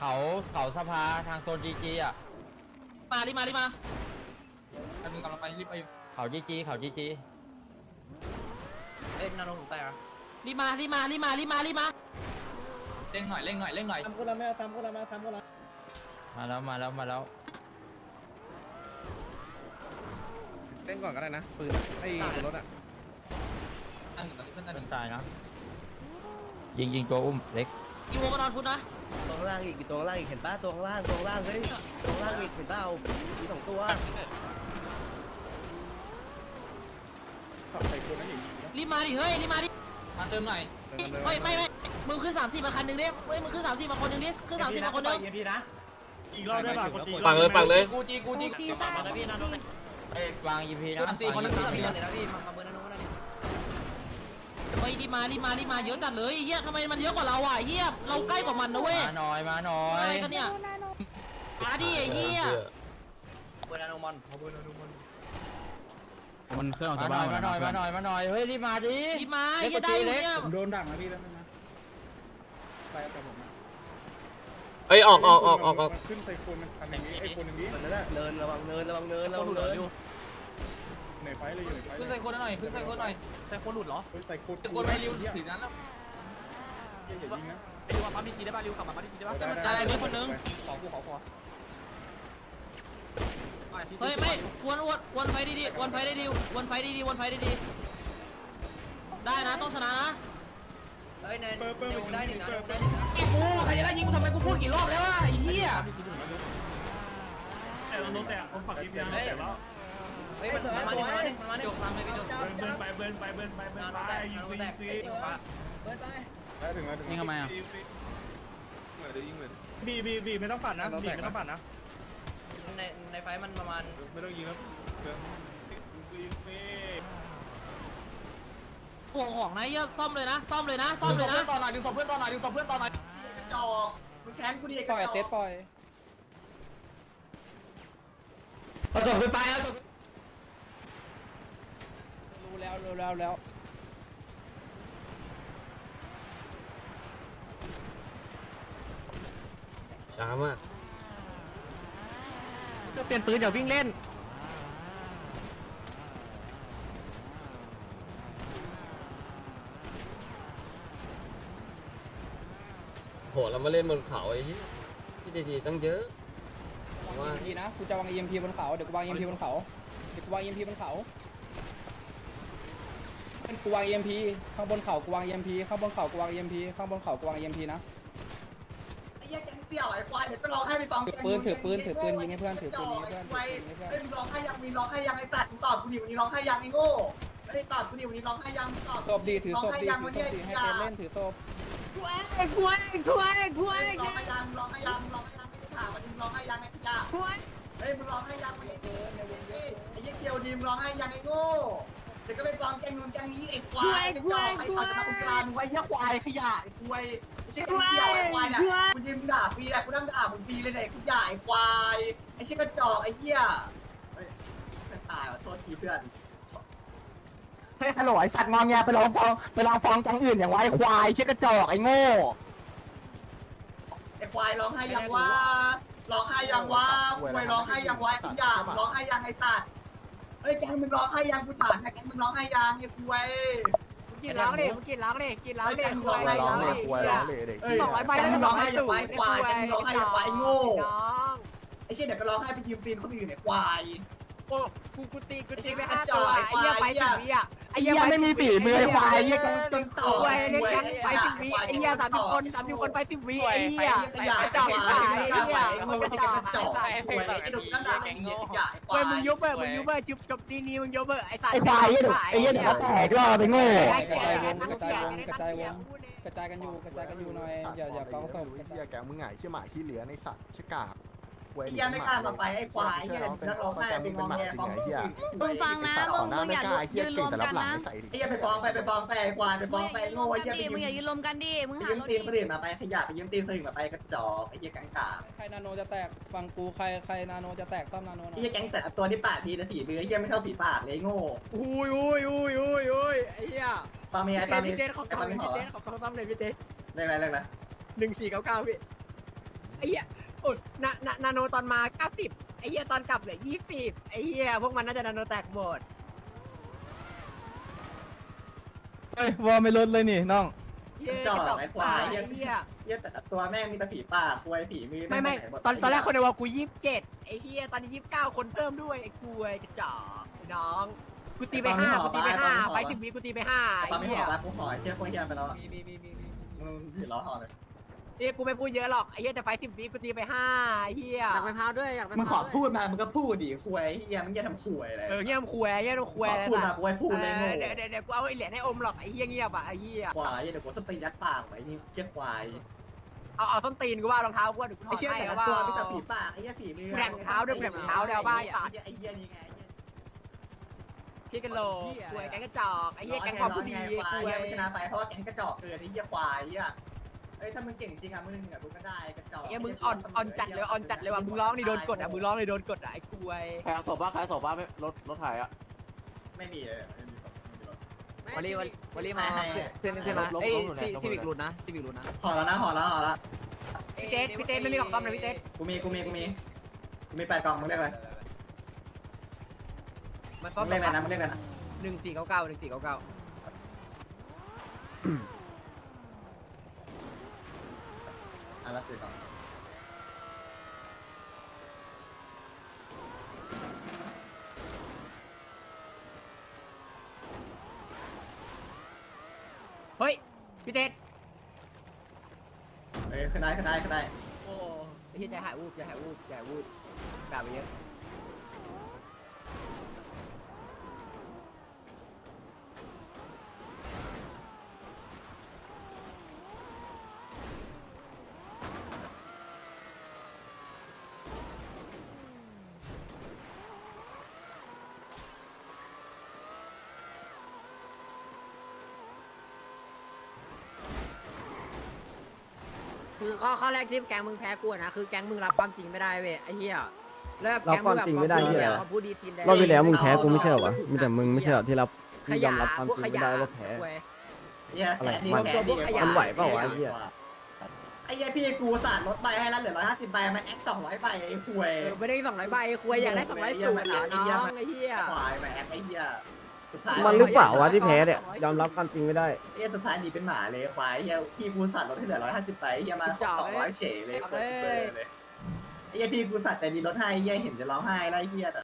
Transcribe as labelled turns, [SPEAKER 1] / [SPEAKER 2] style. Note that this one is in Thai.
[SPEAKER 1] เขาสภาทางโซนจีจีอ่ะ
[SPEAKER 2] มาดิมา
[SPEAKER 3] อันนึงกำลังไปรีบไป
[SPEAKER 1] เขาจีจี
[SPEAKER 3] เอ้ยนาโนผมตายอ่ะ
[SPEAKER 2] รีบมา
[SPEAKER 3] เร่งหน่อย
[SPEAKER 4] ซ้ำคนละซ้ำคนละ
[SPEAKER 1] มาแล้ว
[SPEAKER 4] เล่นก่อนก็ได้นะปืนไอ้รถอ่ะ
[SPEAKER 3] อันหนึ่งกับเพื่อนอันหนึ่ง
[SPEAKER 1] ตายนะยิงตัวอุ้มเล็ก
[SPEAKER 2] อีโวมานอนฟุตนะ
[SPEAKER 5] ตัวข้างล่างอีกตัวข้างล่างอีกเห็นป้าตัวข้างล่างเฮ้ยตัวข้างล่างอีกเห็นป้ามี2ตัว
[SPEAKER 4] ขับใส่คนนั่นอีก
[SPEAKER 2] รีบมาดิเฮ้ยรีบมาดิ
[SPEAKER 3] มาเติมหน่อย
[SPEAKER 2] เฮ้ยไม่มึงขึ้น30มาคันหนึ่งดิเฮ้ยมึงขึ้น30มาคนหนึ่งดิขึ้น30มาคนหนึ่ง
[SPEAKER 4] อีกรอบได้ป่ะ
[SPEAKER 6] ปังเลย
[SPEAKER 3] กูจี
[SPEAKER 2] มาแล้วพี่นะน้อง
[SPEAKER 1] เอ้ยวางอีพีนะ
[SPEAKER 3] สี่คนนึง
[SPEAKER 5] มีเลยนะพี่มาเบอร์นาโนมาหน่อยดิ
[SPEAKER 2] เฮ้ยรีบมาเยอะจัดเลยเฮียทำไมมันเยอะกว่าเราอ่ะเฮียเราใกล้กว่ามันนะเว้ย
[SPEAKER 1] มาหน่อย
[SPEAKER 2] อะไรกันเนี่ยมาดิไอ้เฮีย
[SPEAKER 5] เบอร์นาโนมอน
[SPEAKER 6] มันเครื่องออก
[SPEAKER 1] มา
[SPEAKER 6] จาก
[SPEAKER 1] ห
[SPEAKER 6] บ้า
[SPEAKER 1] น่
[SPEAKER 6] น
[SPEAKER 1] อยเฮ้ยรีบมาดิ
[SPEAKER 2] รีบมาเฮียได้เลยเนี่ย
[SPEAKER 4] ผมโดนดักนะพี่แล้วนะไปกับผม
[SPEAKER 6] เอ้ยออก
[SPEAKER 4] ขึ้นใส่คนมันทำอย่างนี้ไอ้คนอย่างนี้
[SPEAKER 5] มันนั่นแหละเนินระวังเนิน
[SPEAKER 4] ในไฟเลยอยู่ในไฟ
[SPEAKER 3] ขึ้นใส่คนหน่อยใส่คนหลุดเหรอ
[SPEAKER 4] ใส่คน
[SPEAKER 3] คนไม่ริวถือนั้นแล้ว
[SPEAKER 4] อย่ายิงนะ
[SPEAKER 3] ไปดูว่าปั๊มดีจีได้ป่ะริวขับมาปั๊มดีจีได้ป่ะ
[SPEAKER 2] อะไรมีคนนึง
[SPEAKER 3] ขอ
[SPEAKER 2] เฮ้ยไม่วนไฟดีๆวนไฟได้ดีได้นะต้องชนะนะ
[SPEAKER 5] เฮ้ยในวงได้หนึ่งนะ
[SPEAKER 3] กูใครจะได้ยิงกูทำไมกูพูดกี่รอบแล้วอ่ะไอ้เหี้ย
[SPEAKER 4] แต่เราแต่คนฝักยิงยังแต่แล้ว
[SPEAKER 5] เฮ้ยมันมาดิ
[SPEAKER 3] ยกตามเลยพี่ยก
[SPEAKER 4] เบิร์นไปยิงได้ถึงแล้ว
[SPEAKER 6] ยิงทำไมอ่ะ
[SPEAKER 4] บีไม่ต้องปั่นนะบีไม่ต้องปั่นนะ
[SPEAKER 5] ในไฟมันประมาณ
[SPEAKER 4] ไม่ต้องยิงแล้ว
[SPEAKER 2] ห่วงของนะเฮียซ่อมเลยนะ
[SPEAKER 3] ต่อหน่อยดูศพเพื่อนต่อหน่อย
[SPEAKER 5] จอกมันแค้นกูดิปล่อยเตะปล่อย
[SPEAKER 2] เอาจบขึ้นไปเอาจบ
[SPEAKER 5] รู้แล้ว
[SPEAKER 6] ช้ามาก
[SPEAKER 5] จะเปลี่ยนปืนอย่าวิ่งเล่น
[SPEAKER 6] โหเรามาเล่นบนเขาไอ้ที่ดีๆตั้งเยอะว่า
[SPEAKER 5] EMP นะกูจะวาง EMP บนเขาเดี๋ยวกูวาง EMP บนเขากูวาง EMP ข้างบนเขากูวาง EMP ข้างบนเขากูวาง EMP ข้างบนเขากูวาง EMP นะ
[SPEAKER 7] ไอ้เหี้ยแกงเสี่ยวไอ้ควายเดี๋ยวไปร้องให้ไปฟัง
[SPEAKER 5] ถือปืนยิงให้เพื่อน
[SPEAKER 7] ไอ้มึงร้องให้ยังมีร้องให้ยังไอ้จัดมึงตอบกูดิวันนี้ร้องให้ยังไอ้โง่ไม่ได้ตอบกูดิวันนี้ร้องให้ยังตอบ
[SPEAKER 5] ศพดีถือศพดีให้เต้นเล่นถือศพ
[SPEAKER 7] ร้องให้ยังร้องให้ยังไม่ได้ถามมันมึงร้องให้ยังไอ้ขยะเฮ้ยมึงร้องให้ยังไอ้เหี้ยเคียวดีมร้องให้ยังไอ้โง่เดี๋ยวก็ไปฟ้องแกงนู้นแกงนี้ไอ้ควายไอ้จอกไอ้เขาจะมาคุยกันไว้เหี้ยควายขยะไอ้ควายไม่ใช่แกงเสี่ยวไอ้ควายน่ะกูยิงด่าฟรีแหละกูนั่งด่ามึงฟรีเลยเนี่ยขยะไอ้ควายไอ้เชี่ยกระจอกไอ้เหี้ยตายว่ะโทษทีเพื่อนเฮ้ยฮัลโหลไอ้สัตว์งองแงไปลองฟ้องแก๊งอื่นอย่างไว้ควายเชี่ยกระจอกไอ้โง่ไอ้ควายร้องให้ยังว่าร้องให้ยังว่าควายร้องให้ยังไว้ทุกอย่างร้องให้ยังไอ้สัตว์เฮ้ยแก๊งมึงร้องให้ยังกูถามนะแก๊งมึงร้องให้ยังไอ้ควายกินร้องดิกินร้องดิควายร้องดิควายร้องดิ200ใบแล้วมึงร้องให้ยังไว้ควายแก๊งมึงร้องให้ยังไว้โง่ไอ้เชี่ยเดี๋ยวก็ร้องให้ไปยืมตีนคนอื่นเนี่ยควายกูตีไม่ห้าตัวไอ้เหี้ยไปถึงวิอ่ะไอ้เหี้ยไม่มีฝีมือไอ้ควายไอ้เหี้ยจนต่อไอ้เล่นกันไปถึงวิไอ้เหี้ย30 คนไป10 วิไอ้เหี้ยจ่อไอ้เหี้ยมึงจะจ่อไอ้ควายไอ้ดุนั่นน่ะไอ้เหี้ยควายมึงยุบเบอร์จบตีนี้มึงยุบเบอร์ไอ้ตายไอ้ควายไอ้เหี้ยเดี๋ยวแตกก็ไปโง่
[SPEAKER 5] กระจายวงกระจายกันอยู่หน่อยอย่ากองศพ
[SPEAKER 8] เฮียแกมึงไงเชี่ยหมาขี้เหลือในสัตว์ชิกา
[SPEAKER 7] ไอ้ยังไม่กล้ามาไปไอ้ควายเฮียนักร้องไห้เป็นงอแงฟ้องคนอื่น
[SPEAKER 8] มึงฟังนะมึงอย่ายืนรวมกันนะ
[SPEAKER 7] ไอ้ยังไปฟ้องไปฟ้องไอ้ควายไปฟ้องไปโง่ไอ้เฮีย
[SPEAKER 8] มึงอย่ายืนรวมกันดิมึงหา
[SPEAKER 7] ยืมตีนคนอื่นมาไปขยะไปยืมตีนคนอื่นมาไปกระจอกไอ้เฮียกังกา
[SPEAKER 5] ใครนาโนจะแตกฟังกูใครนาโนจะแตกซ่อมนาโน
[SPEAKER 7] ไอ้เฮียแก๊งแต่ตัวที่ปากทีละสีมือไอ้เฮียไม่เท่าสีปากเลยโง่
[SPEAKER 5] อุ้ยไอ้เหี้ย
[SPEAKER 7] ปามีไอ้ปามี
[SPEAKER 5] พี่เต้นขอซ่อมเลยพี่เต้น
[SPEAKER 7] เรื่องอะไร
[SPEAKER 5] 1499พี่ไอ้เหี้ย
[SPEAKER 3] โนตอนมา90ไอ้เหี้ยตอนกลับเหลือ20ไอ้เหี้ยพวกมันน่าจะนาโนแตกหมด
[SPEAKER 4] เฮ้ยวอลไม่ลดเลยนี่น้อง
[SPEAKER 7] จ่อไอ้ควาย
[SPEAKER 3] ไอ้เหี้ย
[SPEAKER 7] เหี้ยแต่ละตัวแม่งมีแต่ผีป่าควายผีมือ
[SPEAKER 3] ไม่ตอนแรกคนในวอลกู27ไอ้เหี้ยตอนนี้29คนเพิ่มด้วยไอ้คุยกระจอกไอ้น้องกูตีไป5ไป10 วิกูตีไป5
[SPEAKER 7] ตอน
[SPEAKER 3] ไอ้
[SPEAKER 7] ไม่
[SPEAKER 3] เหี้
[SPEAKER 7] ห่
[SPEAKER 3] ย
[SPEAKER 7] อปะกูห่อเหี้ยโคตรเหี้ยไปแล้วมึงผีล้อห่อเลย
[SPEAKER 3] กูไม่พูดเยอะหรอกไอ้เหี้ยแต่ไฟ10 วิกูตีไป5ไอ้เหี้ย
[SPEAKER 2] อยากไปพาวด้วยอยากไป
[SPEAKER 7] มึงข
[SPEAKER 2] พา
[SPEAKER 7] อ
[SPEAKER 2] วด้วย
[SPEAKER 7] พูดมามึงก็พูดดิควายเหี้ยมึงอย่าทำควายเลย
[SPEAKER 3] เงียบคุยเงียบคุยอะไร
[SPEAKER 7] พูด
[SPEAKER 3] สั
[SPEAKER 7] มา
[SPEAKER 3] ตว์
[SPEAKER 7] กูไว้พูดเลยโง่
[SPEAKER 3] เดี๋ยวกูเอาไอ้เหรียญให้อมหรอกไอ้เหี้ยเงียบอ่ะไอ้เหี้ย
[SPEAKER 7] ควายเดี๋ยวกูจะตียัดปากไว้นี่เหี้ยควาย
[SPEAKER 3] เอาส้นตีนกูว่ารองเท้ากูว่าเดี๋ยวกูถ
[SPEAKER 7] ไอ้
[SPEAKER 3] อด
[SPEAKER 7] เชี่ย
[SPEAKER 3] ให้
[SPEAKER 7] แต่ละ
[SPEAKER 3] ว่า
[SPEAKER 7] ตัวมีแต่ผีป่าไอ้เหี้ยผีมือ
[SPEAKER 3] แผลเท้าด้วยแผลเท้าเดี๋ยวบ้าไอ้สัตว์
[SPEAKER 7] ไอ้เหี้ยนี่ไง
[SPEAKER 3] พี่กันโลคุยแกงกระจอกไอ้เหี้ยแกงความผู้ดี
[SPEAKER 7] ควาย
[SPEAKER 3] คุย
[SPEAKER 7] ไม่ชนะไปเพราะว่าแก๊งกระจอกเกินไอ้เหี้ยควายอ่ะเอ้ยถ้ามึงเก่งจริงอ่ะมึงเหนือกูก็ได้กระจอก
[SPEAKER 3] ไอ้มึงอ่อนจัดเลยอ่อนจัดเลยว่ะมึงร้องนี่โดนกดอ่ะมึงร้องนี่โดนกดอ่ะไอ้คุย
[SPEAKER 9] ใครเอาศพบ้าใครเอาศพบ้าไม่รถถ่ายอ่ะ
[SPEAKER 7] ไม่มีเลยไม่มีศพไม่มีรถ
[SPEAKER 2] วันนี้มาขึ้นมาเอ้ยซีวิกหลุดนะซีวิกหลุดนะ
[SPEAKER 7] ห่อแล้วนะห่อแล้วห่อแล้ว
[SPEAKER 3] พี่เต้ไม่มีของซ่อมเลยพี่เต้
[SPEAKER 7] กูมี8 กล่องมึงเรียกอะไร
[SPEAKER 3] มันซ่อม
[SPEAKER 7] มึงเรียกอะไรนะมึงเรียกอะไรนะ
[SPEAKER 3] 1499
[SPEAKER 7] อ่ะละ4 กล่อง
[SPEAKER 3] เฮ้ยพี่เต้
[SPEAKER 7] เอ้ยขึ้นได้
[SPEAKER 3] โอ้ไอ้เหี้ยใจหายวูบด่าไปเยอะ คือข้อแรกที่แก๊งมึงแพ้กูนะคือแก๊งมึงรับความจริงไม่ได้เว้ยไอ้เหี้ยแล้วแก๊งมึงแบบเขาพูดดีตีนแดง
[SPEAKER 7] รอบที่แล้วมึงแพ้กูไม่ใช่เหรอ
[SPEAKER 5] มีแต่มึงไม่ใช่เหรอที่รับ
[SPEAKER 3] ขยะพวกขยะ
[SPEAKER 7] อะไร
[SPEAKER 3] มันไหวเปล่า
[SPEAKER 7] ไอ้เหี้ยไอ้เหี้ยพี่กูสาดรถใบให้แล้วเหลือ150ใบมาแอค200ใบไอ้ควย
[SPEAKER 3] ไม่ได้200ใบคุยอยากได้200สูงนะน้องไอ้เหี้ย
[SPEAKER 7] ควายมาแอคไอ้เหี้ยสุดท้าย
[SPEAKER 5] มันหรือเปล่าวะที่แพ้เนี่ยยอมรับความจริงไม่ได้
[SPEAKER 7] ไอ้เหี้ยสุดท้ายหนีเป็นหมาเลยควายไอ้เหี้ยพี่กูสาดรถให้เหลือ150ใบไอ้เหี้ยมา200เฉยเลยไอ้เหี้ยพี่กูสาดแต่ดีรถให้ไอ้เหี้ยเห็นจะร้องไห้แล้วไอ้เหี้ย